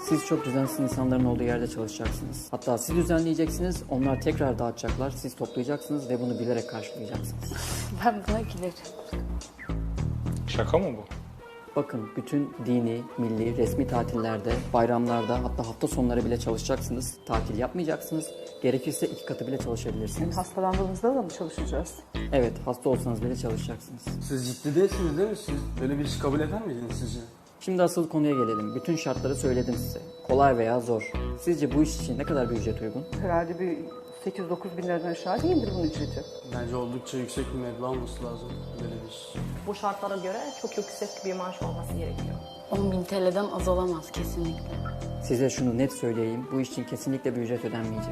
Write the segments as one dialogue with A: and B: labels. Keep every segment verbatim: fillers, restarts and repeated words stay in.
A: Siz çok düzensiz insanların olduğu yerde çalışacaksınız. Hatta siz düzenleyeceksiniz, onlar tekrar dağıtacaklar, siz toplayacaksınız ve bunu bilerek karşılayacaksınız.
B: Ben buna gülerim.
C: Şaka mı bu?
A: Bakın bütün dini, milli, resmi tatillerde, bayramlarda hatta hafta sonları bile çalışacaksınız. Tatil yapmayacaksınız. Gerekirse iki katı bile çalışabilirsiniz.
D: Hastalandığımızda da mı çalışacağız?
A: Evet, hasta olsanız bile çalışacaksınız.
E: Siz ciddi değilsiniz değil mi? Siz böyle bir işi kabul eder miydiniz sizce?
A: Şimdi asıl konuya gelelim. Bütün şartları söyledim size. Kolay veya zor. Sizce bu iş için ne kadar bir ücret uygun?
D: Herhalde bir sekiz dokuz bin liradan aşağı değildir bunun ücreti.
E: Bence oldukça yüksek bir meblağ olması lazım böyle bir iş.
F: Bu şartlara göre çok yüksek bir maaş olması gerekiyor.
B: on bin T L'den az olamaz kesinlikle.
A: Size şunu net söyleyeyim. Bu iş için kesinlikle bir ücret ödenmeyecek.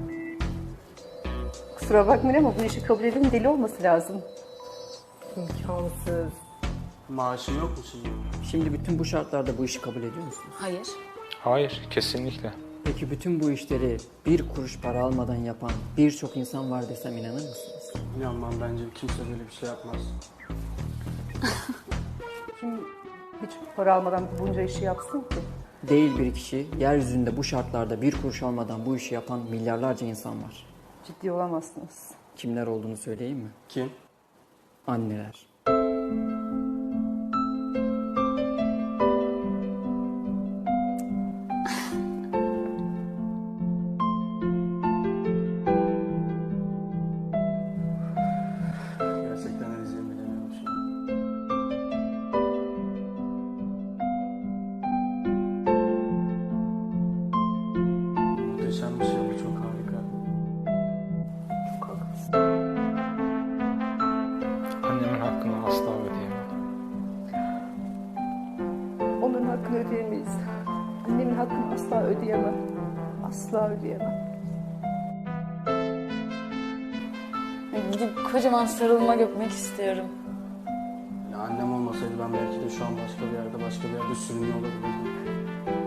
D: Kusura bakmayın ama bu işi kabul edenin deli olması lazım.
F: İmkansız.
E: Maaşı yok mu şimdi?
A: Şimdi bütün bu şartlarda bu işi kabul ediyor musunuz?
B: Hayır.
C: Hayır, kesinlikle.
A: Peki bütün bu işleri bir kuruş para almadan yapan birçok insan var desem inanır mısınız?
E: İnanmam, bence kimse böyle bir şey yapmaz.
D: Kim hiç para almadan bunca işi yapsın ki?
A: Değil bir kişi, yeryüzünde bu şartlarda bir kuruş almadan bu işi yapan milyarlarca insan var.
D: Ciddi olamazsınız.
A: Kimler olduğunu söyleyeyim mi?
E: Kim?
A: Anneler.
E: Gerçekten ne diyeceğimi bilemiyorum şu an. Muhteşem bir şey bu, çok harika.
C: Annemin hakkını asla ödeyemem.
D: Onların hakkını ödeyemeyiz. Annemin hakkını asla ödeyemem. Asla ödeyemem.
B: Gidip kocaman sarılmak öpmek istiyorum.
E: Ya annem olmasaydı ben belki de şu an başka bir yerde, başka bir yerde sürünüyor olabilirdim.